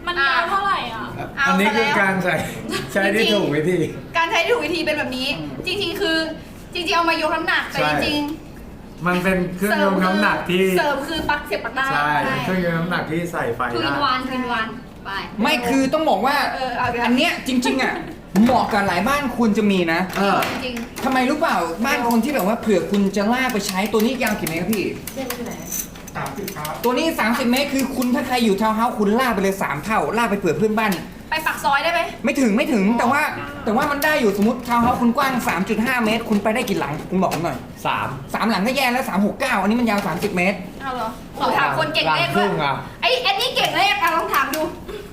มันยาวเท่าไหร่อ่ะอันนี้คือการใช้ที่ถูกวิธีการใช้ที่ถูกวิธีเป็นแบบนี้ จริงๆคือจริงๆเอามายกน้ำหนักแต่จริงๆมันเป็นเครื่องยกน้ำหนักที่เสริมคือปลั๊กเสียบปลั๊กได้ใช่เครื่องยกน้ำหนักที่ใส่ไฟทูได้อินวันไปไม่คือต้องบอกว่าเอาไปอันเนี้ยจริงๆอ่ะเหมาะกับหลายบ้านควรจะมีนะจริงทำไมรู้เปล่าบ้านคนที่แบบว่าเผื่อคุณจะลากไปใช้ตัวนี้ยาวกี่เมตรครับพี่ 30 ครับตัวนี้ 30 เมตรคือคุณถ้าใครอยู่ทาวน์เฮาส์คุณลากไปเลย3 เท่าลากไปเผื่อเพื่อนบ้านไปปักซอยได้ไหมไม่ถึงแต่ว่ามันได้อยู่สมมติทาวน์เฮาส์คุณกว้าง 3.5 เมตร คุณไปได้กี่หลังคุณบอกผมหน่อย 3 หลังก็แย่แล้ว369อันนี้มันยาว30 เมตรเอาเหรอขอถามคนเก่งเลขคด้วรึ่ยงอ่ะไอ้อันนี้เก่งเลขลองถามดู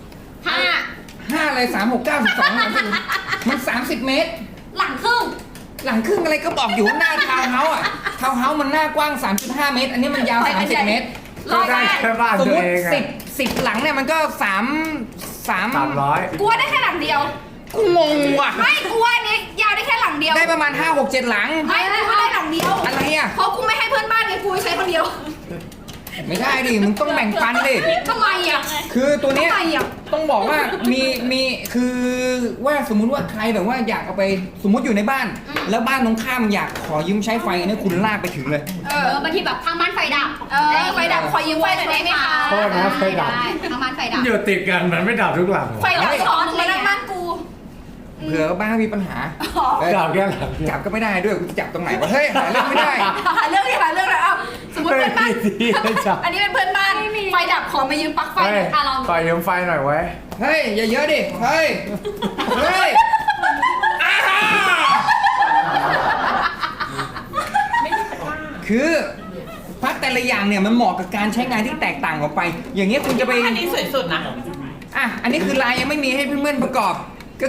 5 5อะไร369 12มัน30 เมตรหลังครึ่งหลังครึ่งอะไรก็บอกอยู่ว่าหน้าทาวน์เฮาส์อ่ะทาวน์เฮาส์มันหน้ากว้าง 3.5 เมตร อันนี้มันยาว 30 เมตรก็ได้แค่บ้านสมตัวมติเองอ่ะ 10หลังเนี่ยมันก็ 300 กลัวได้แค่หลังเดียวกูงงว่ะไม่กลัวเนี่ยยาวได้แค่หลังเดียวได้ประมาณ 5 6 7 หลังไม่กลัวได้หลังเดียวอะไรอ่ะเพราะกูไม่ให้เพื่อนบ้านไงกูใช้คนเดียวไม่ได้ดิ มึงต้องแบ่งปันดิทำไมอ่ะคือตัวเนี้ยทำไมอ่ะต้องบอกว่ามีคือว่าสมมุติว่าใครแบบว่าอยากเอาไปสมมุติอยู่ในบ้าน แล้วบ้านตรงข้ามอยากขอยืมใช้ไฟอันนี้คุณลากไปถึงเลยบางทีแบบทางบ้านไฟดับไฟดับขอยืมไฟหน่อยได้ไหมคะโทษนะไฟดับได้ทางบ้านไฟดับอยู่ติดกันมันไม่ดับทุกหลังหรอไฟดับสอนมานั่งบ้านกูเผื่อบ้านมีปัญหาดับแค่หลังจับก็ไม่ได้ด้วยกูจะจับตรงไหนวะเฮ้ยหาเรื่องไม่ได้หาเรื่องที่หาเรื่องเลยเอาสมมติเพื่อนบ้านไม่จับอันนี้เป็นเพื่อนบ้านไฟดับขอมายืมปลั๊กไฟเฮ้ยไฟยืมไฟหน่อยไว้เฮ้ยอย่าเยอะดิเฮ้ยเฮ้ยอ้าคือปลั๊กแต่ละอย่างเนี่ยมันเหมาะกับการใช้งานที่แตกต่างออกไป อย่างเงี้ยคุณจะไปอันนี้สวยสุดนะอ่ะอันนี้คือลายยังไม่มีให้เพื่อนๆประกอบก็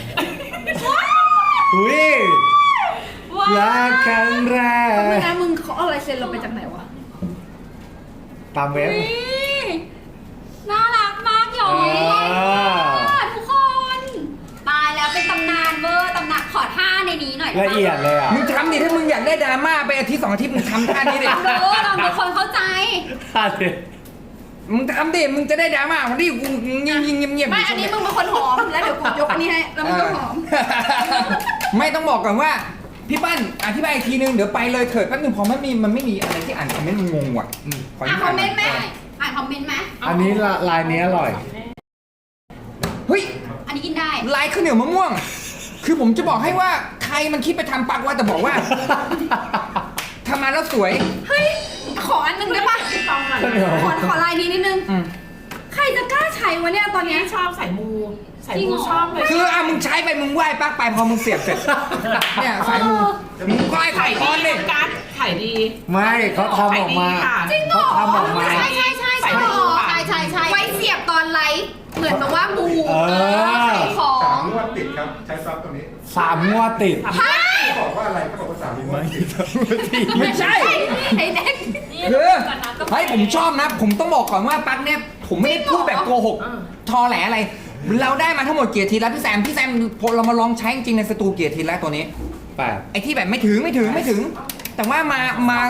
อุ้ยรักครั้งแรกไม่นะมึงเขาเอาลายเซ็นเราไปจากไหนวะตามเว็บน่ารักมากหยอยทุกคน ตายแล้วเป็นตำนานเวอร์ตำนานขอท่าในนี้หน่อยละเอียดเลยอ่ะมึงทำดิถ้ามึงอยากได้ดราม่าไปอาทิตย์2 อาทิตย์มึงทำท่านี้ดิรู้เราเป็นคนเข้าใจท่าดิมึงทำดิมึงจะได้ดราม่าวันที่กูเงียบๆไม่อันนี้มึงเป็นคนหอมแล้วเดี๋ยวกูยกอันนี้ให้แล้วมึงก็หอมไม่ต้องบอกก่อนว่าพี่ปั้นอธิบายอีกทีนึงเดี๋ยวไปเลยเถิดแป๊บนึงพอมันไม่มีอะไรที่อ่านคอมเมนต์มันงงว่ะขออ่ะคอมเมนต์ไหมอ่านคอมเมนต์ไหมอันนี้ลายนี้อร่อยเฮ้ยอันนี้กินได้ลายข้าวเหนียวมะม่วง คือผมจะบอกให้ว่าใครมันคิดไปทำปักว่าแต่บอกว่าทำมาแล้วสวยเฮ้ยขออันหนึงได้ปะขอลายนี้นิดนึงอืมใครจะกล้าใช้วะเนี่ยตอนเนี้ยชอบสายมูสายจริงมูเหรอชอบเลยคือมึงใช้ไปมึงไหว้ปักไปพอมึงเสียบเสร็จเนี่ยสายมูมึงไหว้ไข่ก้อนดิการขายดีไม่เขาทำออกมาจริงเหรอเขาทำออกมาใช่ใช่ใช่ใช่ใช่ไว้เสียบตอนไลฟ์เหมือนแบบว่ามูเออขายของงวดติดครับ ใช้ซับตรงนี้ 3 งวดติดเขาบอกว่าอะไรเขาบอกว่า3 งวดติดไม่ใช่ไอ้เด็กคือเฮ้ยผมชอบนะ ผมต้องบอกก่อนว่าปักเนี่ยผมไม่ได้พูดแบบโกหกทอแหลอะไร เราได้มาทั้งหมดเกียรติแล้วพี่แซมพอเรามาลองใช้จริงในสตูเกียรติแล้วตัวนี้ 8 ไอ้ที่แบบไม่ถึง แต่ว่ามา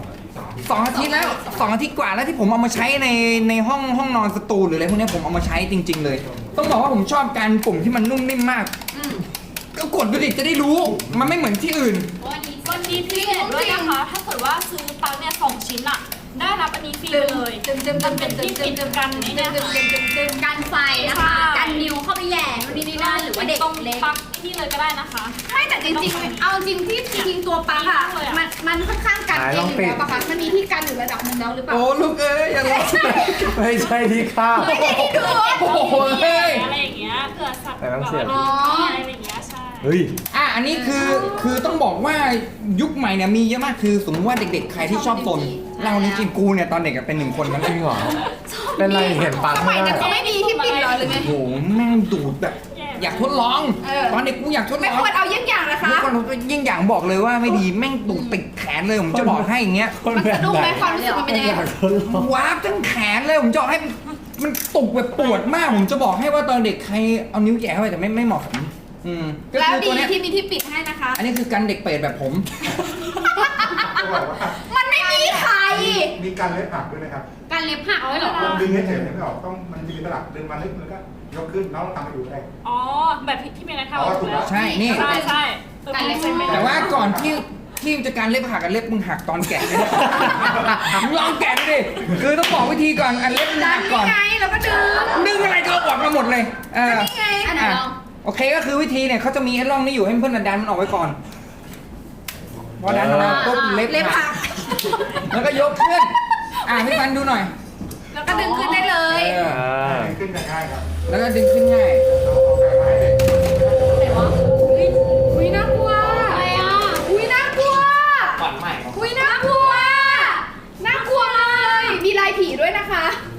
2 อาทิตย์แล้ว2 อาทิตย์กว่าแล้วที่ผมเอามาใช้ในห้องนอนสตูหรืออะไรพวกนี้ผมเอามาใช้จริง ๆ เลย ต้องบอกว่าผมชอบการปุ่มที่มันนุ่มนิ่มมากก็กดดูดิจะได้รู้มันไม่เหมือนที่อื่นวันนี้พี่เห็นด้วยนะคะ ถ้าเกิดว่าซื้อปลั๊กเนี่ย2 ชิ้นอะได้รับอันนี้ฟรีไปเลย มันเป็นที่ปิดกันนี่เนี่ยค่ะกันไฟนะคะกันนิ้วเข้าไปแย่นู่นนี่นั่นหรือว่าเด็กตรงเล็กปลั๊กที่เลยก็ได้นะคะไม่แต่จริงๆ เอาจริงที่จริงๆตัวปลั๊กอะมันค่อนข้างกันเองอยู่แล้วปะคะมันมีที่กันอยู่ระดับหนึงแล้วหรือเปล่าโอ้ลูกเอ้ยอย่าร้องไม่ใช่ที่ข้าวไม่ได้ที่ดูโอ้โหเฮ้ยอะไรอย่างเงี้ยเผื่อสัตว์แต่ต้องเสียบอะไรอย่างเงี้ยใช่เฮ้ยอันนี้คือต้องบอกว่ายุคใหม่เนี่ยมีเยอะมากคือสมมติว่าเด็กๆใครที่ชอบซนเราจริงๆกูเนี่ยตอนเด็กอะเป็น1 คนนั้นจริงเหรอ เป็นไรเห็นปังสมัไม่ยได้นั้นเขาไม่มีที่ปิดเหรอหรือไงโอ้โหแม่งดูดแบบอยากทดลอง ตอนเด็กกูอยากทดลไม่องควรเอาเยี่ยงอย่างนะคะทุกคนยิ่งอย่างบอกเลยว่าไม่ดีแม่งดูดติดแขนเลยผมจะบอกให้อย่างเงี้ยคนมันแบบสะดุ้งไหไหมนความรู้สึกมันเป็นยังไงอยากทดลองวาร์ปทั้งแขนเลยผมจะบอกให้มันตุกแบบปวดมากผมจะบอกให้ว่าตอนเด็กใครเอานิ้วแหย่เข้าไปแต่ไม่เหมาะสมก็แล้วคือดีตัวเนี้ยที่มีที่ปิดให้นะคะอันนี้คือกันเด็กเปรตแบบผมเขาบอกว่ามันไม่มีไข่มีการเล็บหักด้วยนะครับการเล็บหักเอาไว้เหรอดึงเฉยๆไม่ออกต้องมันจะมีตลับดึงมาลึกแล้วก็ยกขึ้นน้องทำมาอยู่ได้อ๋อแบบที่เมย์ได้ทำอ๋อถูกแล้วใช่นี่ใช่ใช่การเล็บเป็นแต่ว่าก่อนที่จะการเล็บหักกับเล็บมึงหักตอนแกะเลยมึงลองแกะดูดิคือต้องบอกวิธีก่อนอันเล็บมึงดัหันกก่อนนี่ไงแล้วก็ดึงดึงอะไรก็เอาออกมาหมดเลยนี่ไงอันไหนลองโอเคก็คือวิธีเนี่ยเขาจะมีไอ้ร่องนี้อยู่ให้เพื่อนดันมันออกไว้ก่อนพอดันออกมาปุ๊บเล็บเล็บหัหักกแล้วก็ยกขึ้นพี่ฟันดูหน่อยแล้วก็ดึงขึ้นได้เลยขึ้นจะง่ายครับแล้วก็ดึงขึ้นง่ายเราออกแบบมาให้เลยไหนวะอุ้ยน่ากลัวอะไรอ่ะอุ้ยน่ากลัวก่อนใหม่อุ้ยน่ากลัว น่ากลัวเลย มีลายผีด้วยนะคะ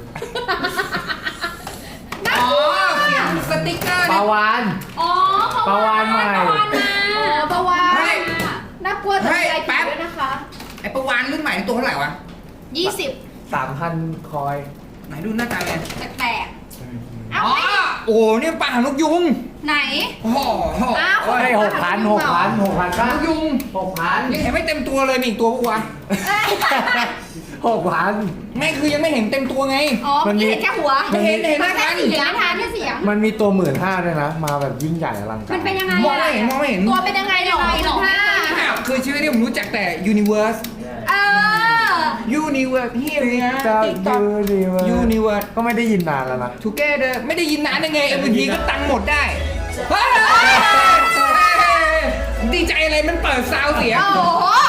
น่าอ๋กอลัวเขียนสติ๊กเกอร์ปลาเนี่ยวานอ๋อปลาวาฬใหม่ปลาวาฬมาปะวานเฮ้ยน่ากลัวแต่มีลายผีด้วยนะคะไอ้ประวานรุ่นใหม่นี่ตัวเท่าไหร่วะ 20 3,000 คอยไหนดูหน้าตาไงแปลกๆเอ้าอ๋อโอ้เนี่ยปลาหางนกยุงไหนโอ้โหอ้าวเฮ้ย6,000 หางนกยุง 6,000 ยังเห็นไม่เต็มตัวเลยมีอีกตัวปะวะ 6,000 ไม่คือยังไม่เห็นเต็มตัวไงอ๋อมันมีเห็นแค่หัวไม่เห็นเห็นหน้าแค่กันเสียงทานแค่เสียงมันมีตัว 15,000ด้วยนะ มาแบบยิ่งใหญ่อลังการมันเป็นยังไงมองไม่เห็นมองไม่เห็นตัวเป็นยังไงหรอไม่ 15 อ้าวคือชีวิตนี้ผมรู้จักแต่ Universe เออ Universe เฮียเลยนะจะ TikTok ยูนิเวิร์ส Universe ก็ไม่ได้ยินนานแล้วนะ Together ไม่ได้ยินนานได้ไง MV ก็ตังค์หมดได้เฮ้ยดีใจอะไรมันเปิดซาวเสียงโอ้โห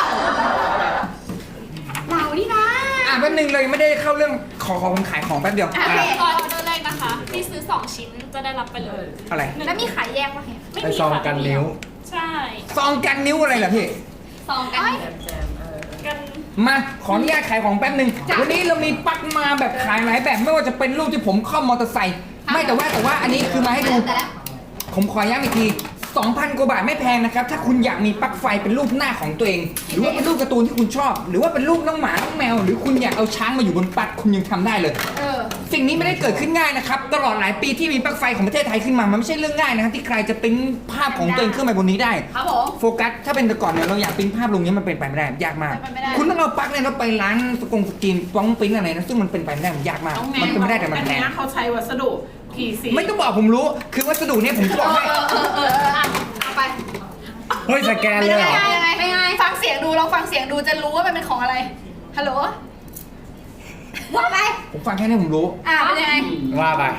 เรานี่นะแป๊บนึงเลยไม่ได้เข้าเรื่องขอผมขายของแป๊บเดียวโอเคออเดอร์แรกนะคะ ที่ซื้อ 2 ชิ้นจะได้รับไปเลยอะไรแล้วมีขายแยกปะเนี่ยไม่ไอมีซองค่ะกันนิ้วใช่ซองกันนิ้วอะไรล่ะพี่ซองกันกันมาขออนุญาตขายของแป๊บหนึ่งวันนี้เรามีปลั๊กมาแบบขายหลายแบบไม่ว่าจะเป็นรูปที่ผมคล่อมมอเตอร์ไซค์ไม่แต่ว่าอันนี้คือมาให้ดูแต่ละผมขอย้ำอีกที 2,000 กว่าบาทไม่แพงนะครับ ถ้าคุณอยากมีปลั๊กไฟเป็นรูปหน้าของตัวเอง หรือว่าเป็นรูปการ์ตูนที่คุณชอบ หรือว่าเป็นรูปน้องหมา น้องแมว หรือคุณอยากเอาช้างมาอยู่บนปลั๊กคุณยังทำได้เลย สิ่งนี้ไม่ได้เกิดขึ้นง่ายนะครับ ตลอดหลายปีที่มีปลั๊กไฟของประเทศไทยขึ้นมา มันไม่ใช่เรื่องง่ายนะครับที่ใครจะปริ้นภาพของตัวเองขึ้นไปบนนี้ได้ครับผมโฟกัส ถ้าเป็นแต่ก่อนเนี่ยเราอยากปริ้นภาพลงนี้มันเป็นไปไม่ได้ ยากมากเป็นไปไม่ได้คุณต้องเอาปลั๊กเนี่ยเราไปร้านสกรีนป้องปริ้นอะไรนะ ซึ่งมันเป็นไปไม่ได้มันยากมาก มันเป็นไม่ได้แต่มันอันแพงเนี้ยเขาใช้วัสดุ PC ไม่ต้องบอกผมรู้ คือวัสดุเนี่ยผมจะบอกให้เอาไปเฮ้ย สแกนเลยเหรอยังไงฟังเสียงดูลองฟังเสียงดูจะรู้ว่ามันเป็นของอะไร ฮัลโหลว่าไปผมฟังแค่นี้ผมรู้เป็นยังไงว่าไป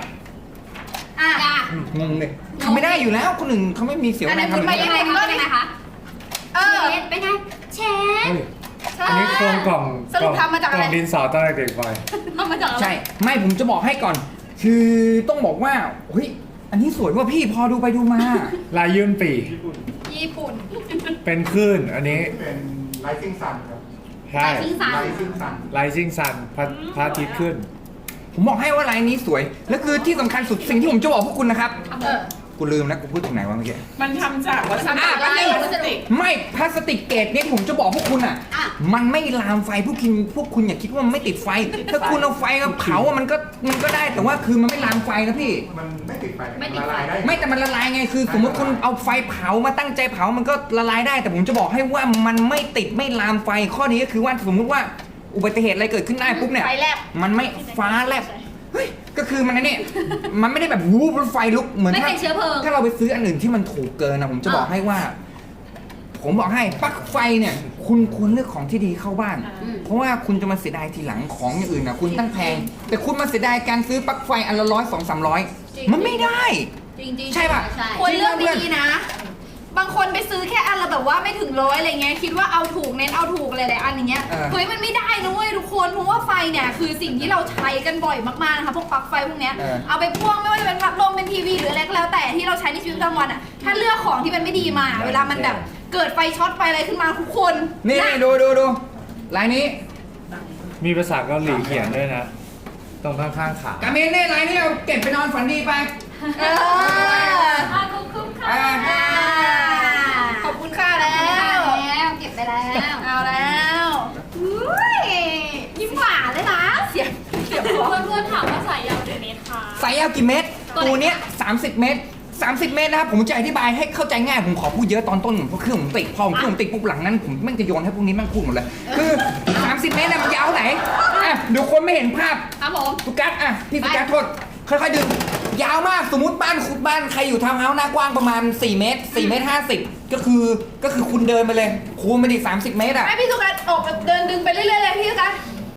งงเลยทำไม่ได้อยู่แล้วคนอื่นเขาไม่มีเสียวอันแรนั้งนทำคุณอไปย่างยันี้งไงเป็นไงคะ เป็นไงเชฟเฮ้ย อันนี้โครงกล่องสรุปทำมาจากอะไรกล่องดินสอตอนเด็กๆไปทำมาจากอะไรใช่ ไม่ผมจะบอกให้ก่อน คือต้องบอกว่าเฮ้ยอันนี้สวยว่าพี่พอดูไปดูมาลายยื่นปีญี่ปุ่นเป็นคลื่น อันนี้เป็น Rising Sun ครับใช่ทิ้งสาร Rising Sun Rising Sun พระอาทิตย์ขึ้นผมบอกให้ว่าลายนี้สวย แล้วคือที่สำคัญสุดสิ่งที่ผมจะบอกพวกคุณนะครับ กูลืมแล้วกูพูดถึงไหนวะเมื่อกี้มันทำจากวัสดุแป๊บนึงพลาสติกไม่พลาสติกเกรดเนี่ยที่ผมจะบอกพวกคุณอ่ะ มันไม่ลามไฟพวกคุณอย่าคิดว่ามันไม่ติดไฟ ถ้าคุณเอาไฟมาเผาอะมันก็ได้แต่ว่าคือมันไม่ลามไฟนะพี่มันไม่ติดไฟไม่ติดไฟละลายได้ไม่แต่มันละลายไงคือสมมติคุณเอาไฟเผามาตั้งใจเผามันก็ละลายได้ แต่ผมจะบอกให้ว่ามันไม่ติดไม่ลามไฟข้อนี้ก็คือว่าสมมุติว่าอุบัติเหตุอะไรเกิดขึ้นได้ปุ๊บเนี่ยไฟแลบมันไม่ฟ้าแลบเฮ้ยก็คือมันเนี่ยมันไม่ได้แบบวูบไฟลุกเหมือนไม่เป็นเชื้อเพลิงถ้าเราไปซื้ออันอื่นที่มันถูกเกินนะผมจะบอกให้ว่า ผมบอกให้ปลั๊กไฟเนี่ย คุณควรเลือกของที่ดีเข้าบ้าน เพราะว่าคุณจะมาเสียดายทีหลังของอย่างอื่นนะคุณตั้งแพง แต่คุณมาเสียดายการซื้อปลั๊กไฟอันละ100-200-300มันไม่ได้จริงๆใช่ป่ะควรเลือกดีๆนะ บางคนไปซื้อแค่อันละแบบว่าไม่ถึง100อะไรเงี้ยคิดว่าเอาถูกเน้นเอาถูกอะไรหลายอันอย่างเงี้ยเออเฮ้ยมันไม่ได้นะเว้ยทุกคนเพราะว่าไฟเนี่ยคือสิ่งที่เราใช้กันบ่อยมากๆนะคะพวกปลั๊กไฟพวกเนี้ย เอาไปพ่วงไม่ว่าจะเป็นพัดลมเป็นทีวีหรืออะไรก็แล้วแต่ที่เราใช้ในชีวิตประจำวันอ่ะถ้าเลือกของที่มันไม่ดีมา เวลามันแบบเกิดไฟช็อตไฟอะไรขึ้นมาทุกคนนี่ะดูลายนี้มีภาษาเกาหลีเขียนด้วยนะ ตรงข้างๆขากาเมนเนี่ยลายนี้เอาเก็บไปนอนฝันดีไปเออคุ้มค่ะอ่าขอบคุณค่ะแล้วแล้วเก็บไปแล้วเอาแล้วอุ้ยยิ้มหวานเลยนะเสียงเพื่อนๆถามว่าสายยาวกี่เมตรคะสายยาวกี่เมตรตัวเนี้ย30 เมตร 30 เมตรนะครับผมจะอธิบายให้เข้าใจง่ายผมขอพูดเยอะตอนต้นเพราะเครื่องผมติดพอผมเครื่องผมติดปุ๊บหลังนั้นผมแม่งจะโยนให้พวกนี้แม่งพูดหมดเลยคือ30 เมตรเนี่ยมันยาวเท่าไหนเดี๋ยวคนไม่เห็นภาพครับผมสุกัสอ่ะพี่สุกัสโทษค่อยๆดึงยาวมากสมมติบ้านใครอยู่ทาวน์เฮาส์หน้ากว้างประมาณ4 เมตร4 เมตร 50ก็คือคุณเดินไปเลยคูณไปดิ30 เมตรอ่ะให้พี่สุกัสออกเดินดึงไปเรื่อยๆเลยพี่สุกัส